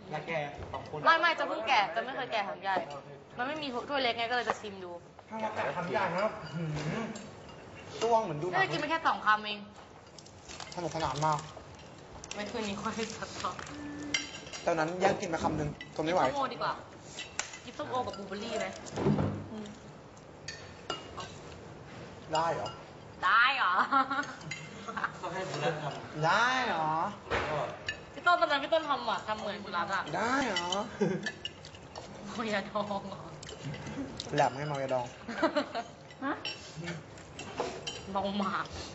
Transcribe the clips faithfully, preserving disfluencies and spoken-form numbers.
แล้วแกสองคนไม่ไม่จะเพิ่งแกะจะไม่เคยแกะถังใหญ่มันไม่มีถ้วยเล็กไงก็เลยจะชิมดูถ้าเราแกะทำได้นะครับจ้วงเหมือนดูหนัไม่งได้กินไปแค่สองคำเองสนุกสนานมากไม่คืนนี้ค่อยสัดต่อตอนนั้นแย่งกินไปคำหนึ่งทนไม่ไหวส้มโอดีกว่ากินส้มโอกับบลูเบอร์รี่ไหมได้เหรอได้เหรอก็ให้คุณรัฐทได้เหรอำก็พี่ต้นตอนนั้นพี่ต้นทำอ่ะทำเหมือนคุณรัฐอ่ะได้เหรอโอ้ยาดองเหรอแหลมให้เมายาดองฮะเมาหมาก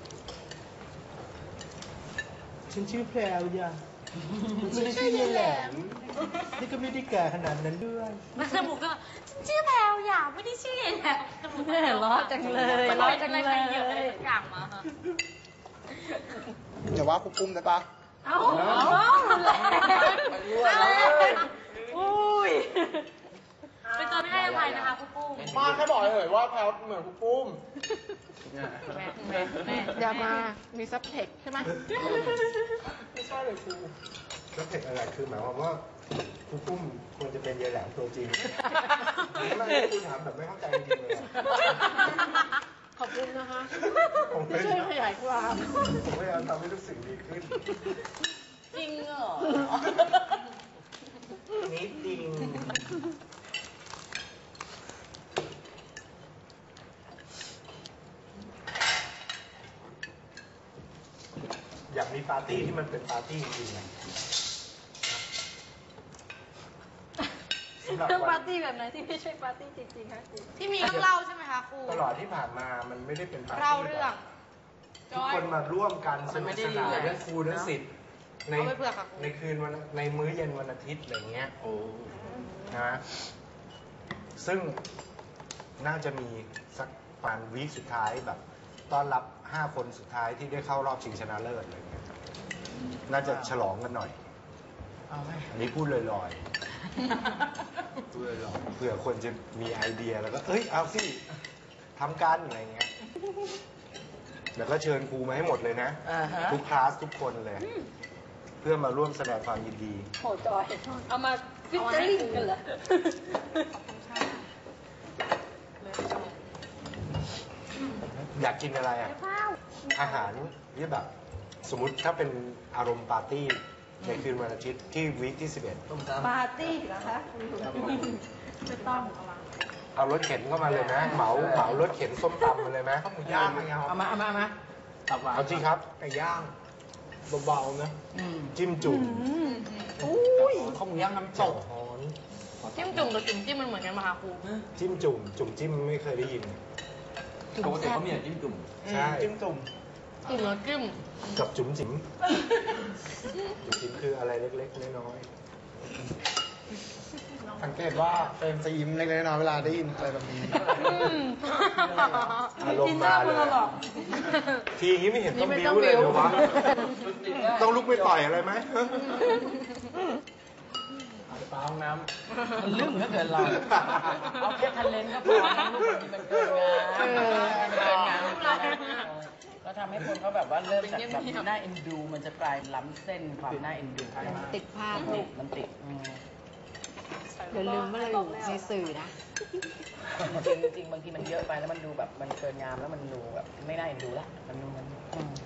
ฉันชื่อแพรวจ้ะไม่ได้ชื่อแหลม นี่ก็ไม่ได้แก่ขนาดนั้นด้วยมันจมูกก็ชื่อแพลวอย่าไม่ได้ชื่อแพลวจมูกแม่ล้อจังเลยล้อจังเลยมันเยอะอะไรสักอย่างมาค่ะอย่าว่าครูปุ้มได้ปะเอ้ารุนแรงอุ้ยเป็นตัวไม่ให้อภัยนะคะคุณปุ้มป้าแค่บอกเฉยๆว่าแพลวเหมือนครูปุ้มแม่แม่แม่อย่ามา มีซับเทคใช่ไหมไม่ใช่เลยครูแล้วเทคอะไรคือหมายความว่าครูปุ้มควรจะเป็นยายแหลมตัวจริงไม่ครูถามแบบไม่เข้าใจจริงๆเลยอะขอบคุณนะคะผมช่วยขยายความผมพยายามทำให้ทุกสิ่งดีขึ้นจริงเหรอนิดจริงอยากมีปาร์ตี้ที่มันเป็นปาร์ตี้จริงๆนะสำหรับเรื่องวัปาน ร์ตี้แบบไหนที่ไม่ใช่ปาร์ตี้จริงๆคะครูที่มีเรื่องเล่าใช่ไหมคะครูตลอดที่ผ่านมามันไม่ได้เป็นปาร์ตี้เล่าเรื่องทุกคนมาร่วมกันสนุกสนานทั้งครูทั้งศิษย์ในเอาไปเผื่อค่ะครูในคืนวันในมื้อเย็นวันอาทิตย์อะไรเงี้ยโอ้นะซึ่งน่าจะมีสักประมาณวีคสุดท้ายแบบต้อนรับห้าคนสุดท้ายที่ได้เข้ารอบชิงชนะเลิศอะไรเงี้ยน่าจะฉลองกันหน่อยเอาไหมอันนี้พูดลอยๆ พูดลอยๆเผื่อคนจะมีไอเดียแล้วก็ เอ้ย เอาสิทำกันอะไรเงี้ย แล้วก็เชิญครูมาให้หมดเลยนะอ่าฮะทุกคลาสทุกคนเลย เพื่อมาร่วมแสดงความยินดีโหจอย เอามาฟิชเจอริ่งกันเหรออยากกินอะไรอ่ะ อาหารที่แบบ สมมุติถ้าเป็นอารมณ์ปาร์ตี้ในคืนวันอาทิตย์ที่วีคที่สิบเอ็ดต้มตำปาร์ตี้เหรอคะไม่ต้องเอารถเข็นเข้ามาเลยนะ เหมาเหมารถเข็นส้มตำมาเลยไหมข้าวหมูย่างอะไรเงี้ยคเอารับมาเอามาเอามาตับหวานเอาจริงครับไก่ย่างเบาๆนะจิ้มจุ่มอุ้ยข้าวหมูย่างน้ำตเจ้าก ฮอนจิ้มจุ่มกับจุ่มจิ้มมันเหมือนกันไหมคะครูจิ้มจุ่ม จุ่มจิ้มไม่เคยได้ยินปกติเขามีแต่จิ้มจุ่มใช่จิ้มจุ่มจุ่มแล้วจิ้มกับจุ๋มจิ๋มจุ๋มจิ๋มคืออะไรเล็กๆน้อยสังเกตว่าเฟรมจะยิ้มเล็กๆน้อยๆเวลาได้ยินอะไรแบบนี้ๆอารมณ์มาเลยอะทีนี้ไม่เห็นต้องบิ้วเลยเหรอวะต้องลุกไปต่อยอะไรไหมปลาห้องน้มันลึ่งเหลือเกินเรา เอาแค่ทันเลนก็พอนะลูกบางทีมันเกินงานมันเกินงานก็ทำให้คนเขาแบบว่าเริ่มจากแบบน่าเอ็นดู มันจะกลายล้ำเส้นความน่าเอ็นดูติดภาพติดมันติดอืมอย่าลืมว่าเราอยู่ในสื่อนะจริงจริงๆบางทีมันเยอะไปแล้วมันดูแบบมันเกินงามแล้วมันดูแบบไม่น่าเอ็นดูละมันดูมันอืม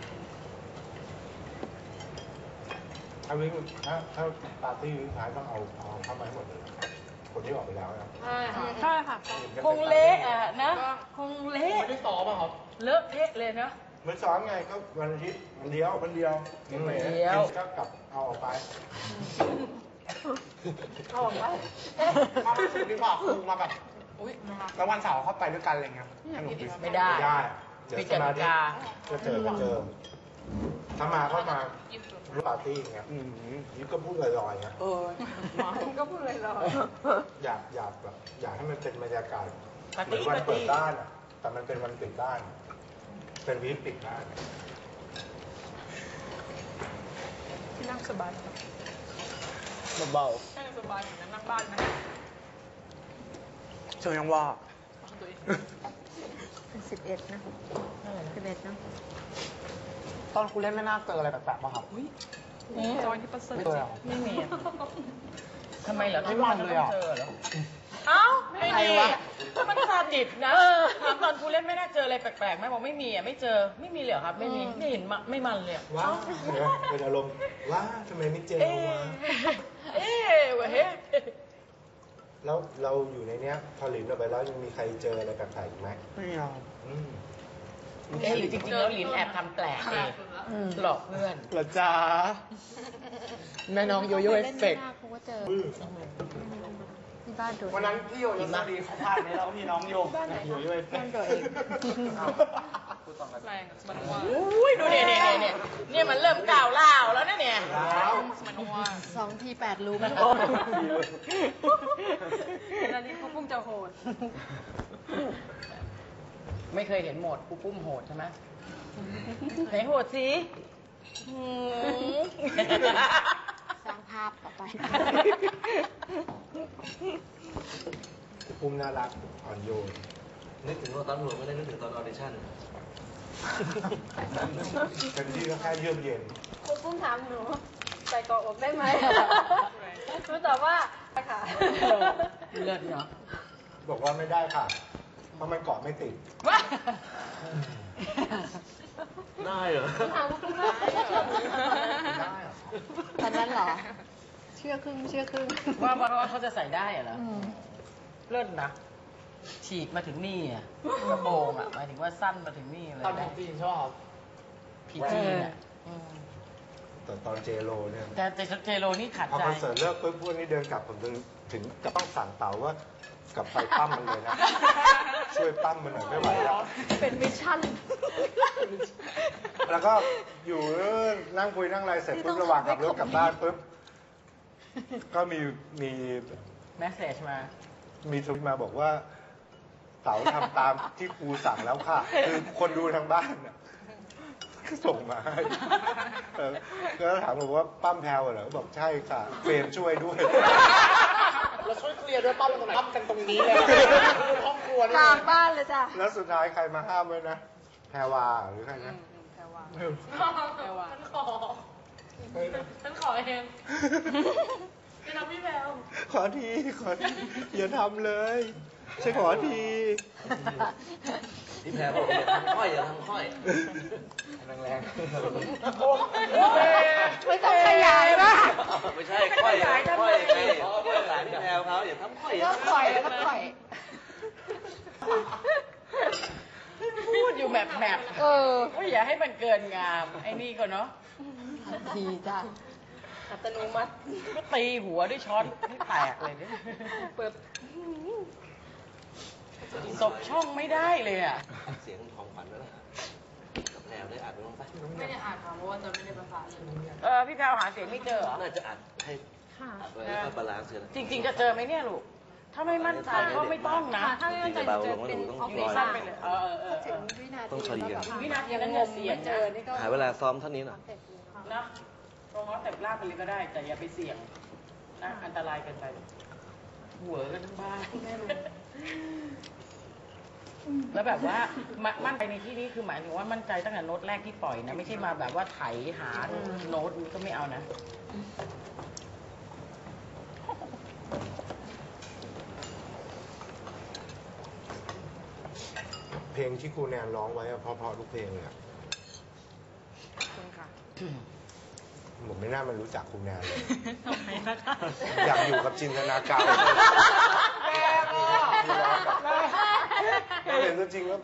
ถ้าวิ่งถ้าถ้าปาร์ตี้วิ่งท้ายต้องเอาเอาเข้ามาให้หมดเลยคนที่ออกไปแล้วนะใช่ค่ะใช่ค่ะคงเละอ่ะนะ คงเละไม่ได้ซ้อมอะครับเลอะเทะเลยนะไม่ซ้อมไงก็วันอาทิตย์วันเดียววันเดียววันเดียวก็กลับเอาออกไปเอาออกไปมาเป็นสุดดีกว่าครูมาแบบอุ้ยแล้ววันเสาร์เข้าไปด้วยกันอะไรเงี้ยสนุกดีไม่ได้ไม่ได้เดี๋ยวมีสกมาติธิกาก็เจอก็เจอถ้ามาก็มาร่วมปาร์ตี้อย่างเงี้ยอืมนี่ก็พูดลอยๆนะเออก็พูดเลยเราอยากอยากแบบอยากให้มันเป็นบรรยากาศปาร์เหมืตี้อนวันปาร์เปิตี้ดบ้านอะแต่มันเป็นวันปิดบ้าน เป็นวีคปิดบ้านที่นั่งสบายเบานั่งสบายเหมือนนั่งบ้านนะๆเชิญยังว่าสิบเอ็ดนะสิบเอ็ดนะตอนครูเล่นไม่น่าเจออะไรแปลกๆป่ะครับจอยที่ประเสริฐไม่เคยเหรอไม่มีอะทำไมเหรอไม่มันเลยเหรอเจอเหรอเอ้าไม่มีมันซาดิสนะถามตอนครูเล่นไม่น่าเจออะไรแปลกๆไหมบอกไม่มีอ่ะไม่เจอไม่มีเลยเหรอครับ ไม่มีไม่เห็นมาไม่มันเลยอะว้าเป็นอารมณ์ว้าทำไมไม่เจอเอ๊วะเอ๊ะเว้ยแล้วเราอยู่ในเนี้ยพอหลินออกไปแล้วยังมีใครเจออะไรแปลกๆอีกไหมไม่เอาอืมเอ๊ะหรือจริงๆแล้วลินแอบทำแปลกเองหลอกเพื่อนเหรอจ๊ะแม่น้องโยโย่เอฟเฟกต์ครูก็เจอที่บ้านโดดวันนั้นพี่โยโย่สวัสดีเขาพลาดไหมแล้วพี่น้องโยโยโย่เอฟเฟกบ้านต์โดดเองแรงมันว่าอุ้ยดูเนี่ยเนี่ยเนี่ยเนี่ยมันเริ่มก้าวล่าวแล้วนะเนี่ยมันว่าสองทีแปดรูมแล้วนี่เขาพุ่งจะโหดไม่เคยเห็นโหมดกูปุ้มโหดใช่ไหมไหนโหดสิหืมสร้างภาพต่อไปปุ้มน่ารักอ่อนโยนนึกถึงตอนหลวงไม่ได้นึกถึงตอนออดิชั่นเป็นที่ก็แค่เยือกเย็นครูปุ้มถามหนูใส่เกาะอกได้ไหมหนูตอบว่าค่ะเลิศเนาะบอกว่าไม่ได้ค่ะ เพราะมันเกาะไม่ติดได้เหรอถามว่าคุณว่าได้เหรอตอนนั้นเหรอ เชื่อครึ่งเชื่อครึ่งว่าว่าว่าเขาจะใส่ได้เหรออืมเลิศนะฉีกมาถึงนี่อ่ะกระโปรงอ่ะหมายถึงว่าสั้นมาถึงนี่เลยตอนเป็นจีนชอบผีจีนอ่ะอืมแต่ตอนเจโรเนี่ยแต่แต่เจโรนี่ขัดพอใจคอนเสิร์ตเลิกปุ๊บพวกนี้เดินกลับผมถึงถึงก็ต้องสั่งเต่าว่ากลับไปปั้มมันเลยนะ ช่วยปั้มมันหน่อยไม่ไหวแล้วเป็นมิชชั่นแล้วก็อยู่นั่งคุยนั่งอะไรเสร็จปุ๊บระหว่างขับรถกลับบ้านปุ๊บก็มีมีแมสเซจมามีทวิตมาบอกว่าเต๋าทำตามที่ครูสั่งแล้วค่ะ คือคนดูทางบ้านน่ะส่งมาให้เออแล้วถามผมว่าปั้มแพลวเหรอบอกใช่ค่ะเฟรมช่วยด้วยเราช่วยเคลียร์ด้วยป้ามันตรงไหนทำกันตรงนี้เลยห้องครัวนี่กลางบ้านเลยจ้ะแล้วสุดท้ายใครมาห้ามไว้นะแพรวาหรือใครนะแพรวาไม่รู้แพรวาฉันขอฉันขอเองไม่ทำพี่แพรวขอทีขอทีอย่าทำเลยฉันขอทีพี่แพรบอกอย่าทำค่อยอย่าทำค่อยแรงไม่ต้องขยายมากไม่ใช่ค่อยค่อยไงเพราะว่าหลานพี่แพรเขาอย่าทำค่อยอย่าต้องทำปล่อยแล้วก็ปล่อยพูดอยู่แบบแบบเออว่าอย่าให้มันเกินงาม ไอ้นี่ก็เนาะดีจ้ะอัตโนมัติก็ตีหัวด้วยช้อนให้แตกเลยเนี่ยเปิดตบช่องไม่ได้เลยอ่ะเสียงของขวัญแล้วนะกับแพรได้อัดไว้ลงไปไม่ได้อ่านค่ะเพราะว่าจะไม่ได้ภาษาเลยเออพี่แพรวหาเสียงไม่เจอเหรอน่าจะอัดให้อัดไว้แล้วก็บาลานซ์เสร็จจริง ๆ จะเจอไหมเนี่ยลูก ถ้าไม่มั่นใจก็ไม่ต้องนะถ้าไม่มั่นใจจะเป็นออฟอยู่ฟิในศสั้นไปเลย เออเออเออถึงวินาทีต้องคดีกันวินาทีนั้นงเนี่ยงเสียงไม่เจอนี่ก็หาเวลาซ้อมเท่านี้หน่อยนะตรงนั้นแต่ลากไปเลยก็ได้ แต่อย่าไปเสี่ยงนะอันตรายเกินไปหัวกันทั้งบ้านแล้วแบบว่ามามั่นใจในที่นี้คือหมายถึงว่ามั่นใจตั้งแต่โน้ตแรกที่ปล่อยนะ ไม่ใช่มาแบบว่าไถหาโน้ตมันก็ไม่เอานะเพลงที่ครูแนนร้องไว้อะเพราะๆทุกเพลงเลยอะคุณค่ะผมไม่น่ามันรู้จักครูแนนเลยทำไมนะคะอยากอยู่กับจินตนาการเห็นตัวจริงแล้ว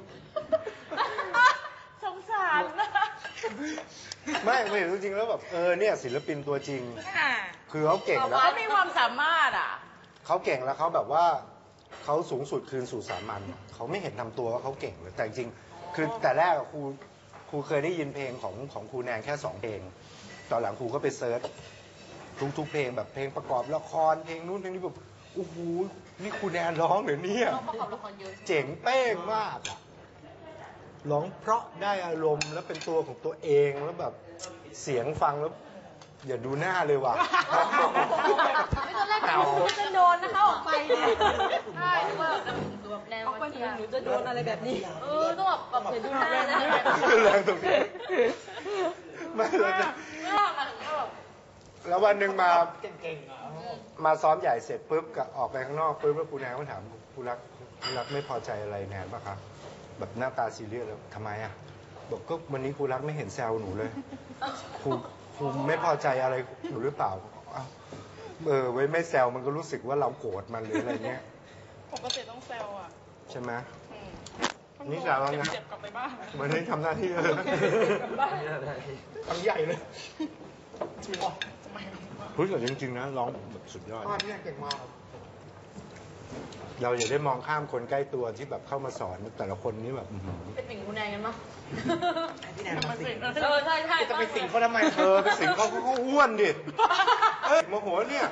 สงสารนะไม่เห็นตัวจริงแล้วแบบเออเนี่ยศิลปินตัวจริง คือเขาเก่งแล้วเขามีความสามารถอ่ะเขาเก่งแล้วเขาแบบว่าเขาสูงสุดคืนสู่สามัญเขาไม่เห็นทำตัวว่าเขาเก่งเลยแต่จริงๆคือแต่แรกอะครูครูเคยได้ยินเพลงของของครูแนนแค่สองเพลงตอนหลังครูก็ไปเซิร์ชทุกๆเพลงแบบเพลงประกอบละครเพลงนู้นเพลงนี้แบบโอ้โหนี่ครูแนนร้องเหรอเนี่ยต้องประกอบละครเยอะใช่ไหมเจ๋งเป้งมากอะร้องเพราะได้อารมณ์แล้วเป็นตัวของตัวเองแล้วแบบเสียงฟังแล้วอย่าดูหน้าเลยว่ะไม่ตอนแรกหนูจะโดนนะคะออกไปเนี่ยใช่คือว่าแบบแนวออกไปมาหนูเที่ยวหนูจะโดนอะไรแบบนี้เออต้องแบบแบบเห็นดูหน้านะคือแรงตรงนี้ไม่เราจะไม่หรอกหมายถึงว่าแบบแล้ววันหนึ่งมาเก่งๆอ่ะมาซ้อมใหญ่เสร็จปุ๊บก็ออกไปข้างนอกปุ๊บแล้วครูแนนก็ถามครูรักครูรักไม่พอใจอะไรแนนป่ะครับแบบหน้าตาซีเรียสแล้วทำไมอ่ะบอกก็วันนี้ครูรักไม่เห็นแซวหนูเลยครูครูไม่พอใจอะไรหนูหรือเปล่าอ้าวเออไว้ไม่แซวมันก็รู้สึกว่าเราโกรธมันหรืออะไรเงี้ยปกติต้องแซวอ่ะใช่ไหมอืมนี่แซวแล้วนะเจ็บๆกลับไปบ้านวันนี้ทำหน้าที่เลยกลับบ้านทำใหญ่เลยจริงเหรอเฮ้ยแต่จริงๆนะร้องแบบสุดยอดอ่าพี่แนนเก่งมากครับเราอย่าได้มองข้ามคนใกล้ตัวที่แบบเข้ามาสอนแต่ละคนนี่แบบอื้อหือเป็นสิ่งคุณแนนกันมั้งพี่แนนมาสิงเออใช่ใช่จะไปสิงเขาทำไมเออไปสิงเขาเขาเขาอ้วนดิเอ้ยโมโหเนี่ย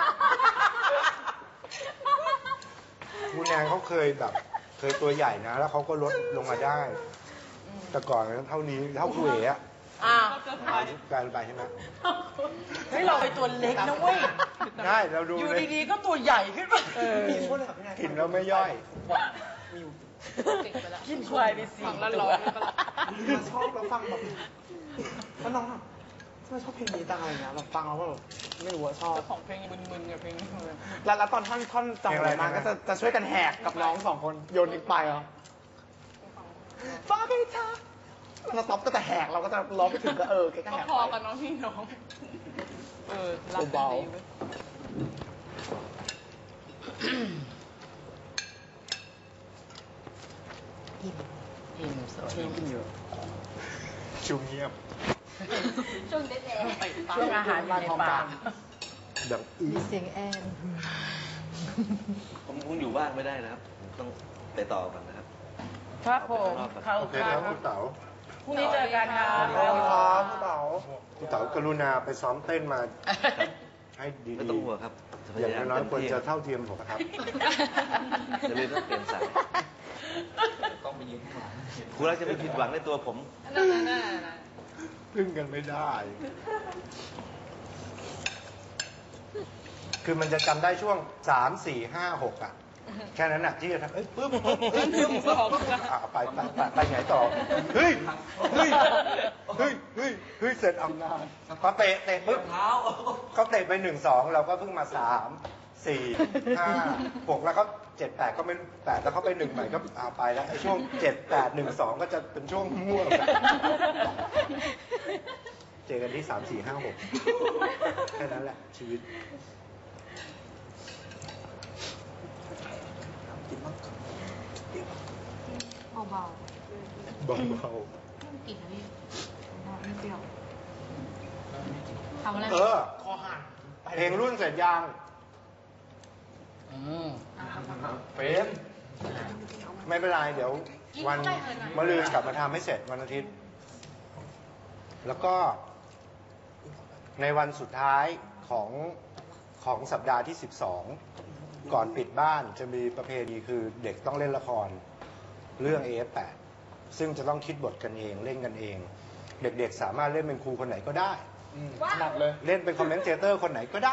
คุณแนนเขาเคยแบบ เคยตัวใหญ่นะ แล้วเขาก็ลดลงมาได้ แต่ก่อนนั้นเท่านี้เท่าคุยอะอ่ากลายไปใช่ไหมเฮ้ยเราไปตัวเล็กนะเว้ยได้เราดูอยู่เลยดีๆก็ตัวใหญ่ขึ้นมามีโทษเลยครับพี่แนนกินแล้วไม่ย่อยกินควายไปสี่ฝั่งละตัร้วอยปะล่ะมันชอบเราฟังแบบแล้วน้องแบบทำไมชอบเพลงนี้จังอะไรเงี้ยเราฟังแล้วก็แบบไม่รู้ว่าชอบเจ้าของเพลงมึนๆกับเพลงนี้เลยแล้วแล้วตอนท่อนท่อนจังอะไรมาก็จะจะช่วยกันแหกกับน้องสองคนโยนทิ้งไปเหรอฟ้าไปเธอเราต๊อปก็จะแหกเราก็จะร้องไปถึงก็เออแกก็ก็แหกพอไปกับน้องพี่น้อง เออ รับกันเบาดีเว้ยอิ่มสวยกินเยอะชูเงียบช่วงเด็ดแดงช่วงอาหารอยู่ในปากแบบอีมีเสียงแอนผมคงอยู่บ้านไม่ได้นะครับ ต้องไปต่อกันนะครับครับผมเข้าโอเคคครัรับบคุณเต๋าพรุ่งนี้เจอกันครับขอบคุณครับพี่เต๋าคุณเต๋ากรุณาไปซ้อมเต้นมาให้ดีไม่ต้องห่วงครับจะพๆอย่างยายามน้อยๆควรเต็มที่จะเท่าเทียมผมนะครับจะเลยต้องเปลี่ยนสายครูรักจะไม่ผิดหวังในตัวผมนั่นนั่นนั่นนั่นพึ่งกันไม่ได้ คือมันจะจำได้ช่วงสามสี่ห้าหกอ่ะ แค่นั้นอ่ะที่จะทำเอ้ยปึ๊บปึ๊บเอ้ยปึ๊บปึ๊บอ่ะไปไปไปไปไหนต่อ เฮ้ย เฮ้ย เฮ้ย เฮ้ย เฮ้ย เสร็จอำนาจพอเตะเตะปึ๊บเขาเตะไปหนึ่งสองเราก็เพิ่งมาสามสี่ห้าหกแล้วก็เจ็ดแปดก็ไม่แปดแล้วเขาไปหนึ่งใหม่ก็อ่าไปแล้วไอ้ช่วงเจ็ดแปดหนึ่งสองก็จะเป็นช่วงมั่วกันเจอกันที่สามสี่ห้าหกแค่นั้นแหละชีวิตเบาเบาๆไม่กินนะพี่ไม่เปรี้ยวทำอะไรๆเออคอหันเพลงรุ่นเสร็จยังอืมเฟรมไม่เป็นไรเดี๋ยววันมะรืนกลับมาทำให้เสร็จวันอาทิตย์ แล้วก็ ในวันสุดท้ายของของสัปดาห์ที่สิบสองก่อนปิดบ้านจะมีประเพณีคือเด็กต้องเล่นละครเรื่อง เอ เอฟ แปด ซึ่งจะต้องคิดบทกันเองเล่นกันเอง เด็กๆสามารถเล่นเป็นครูคนไหนก็ได้ถนัดเลยเล่นเป็นคอมเมนเตเตอร์คนไหนก็ได้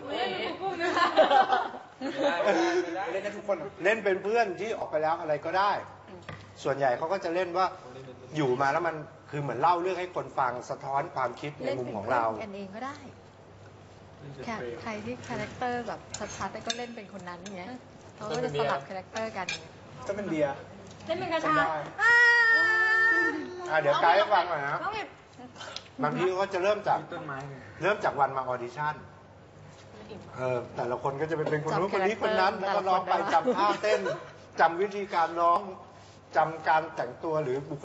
เล่นได้ทุกคนเหรอเล่นเป็นเพื่อนที่ออกไปแล้วอะไรก็ได้ ส่วนใหญ่เขาก็จะเล่นว่าอยู่มาแล้วมันคือเหมือนเล่าเรื่องให้คนฟังสะท้อนความคิดในเล่นมุมเป็นของเพื่อเรานกันเองก็ได้แค่ใครที่คาแรคเตอร์แบบชัดๆก็เล่นเป็นคนนั้นอย่างเงี้ยเขาก็จะสลับคาแรคเตอร์กันอย่างเงี้ยจะเป็นเบียร์เล่นเป็นกระชาจำได้อ้าอ่ะเดี๋ยวไกด์ให้ฟังหน่อยนะน้องอิบบางทีเขาจะเริ่มจากเริ่มจากวันมาออดิชั่นเออแต่ละคนก็จะเป็นเป็นคนนู้นคนนี้คนนั้น แล้วก็ร้องไปจำท่าเต้นจำวิธีการร้องจำการแต่งตัวหรือบุค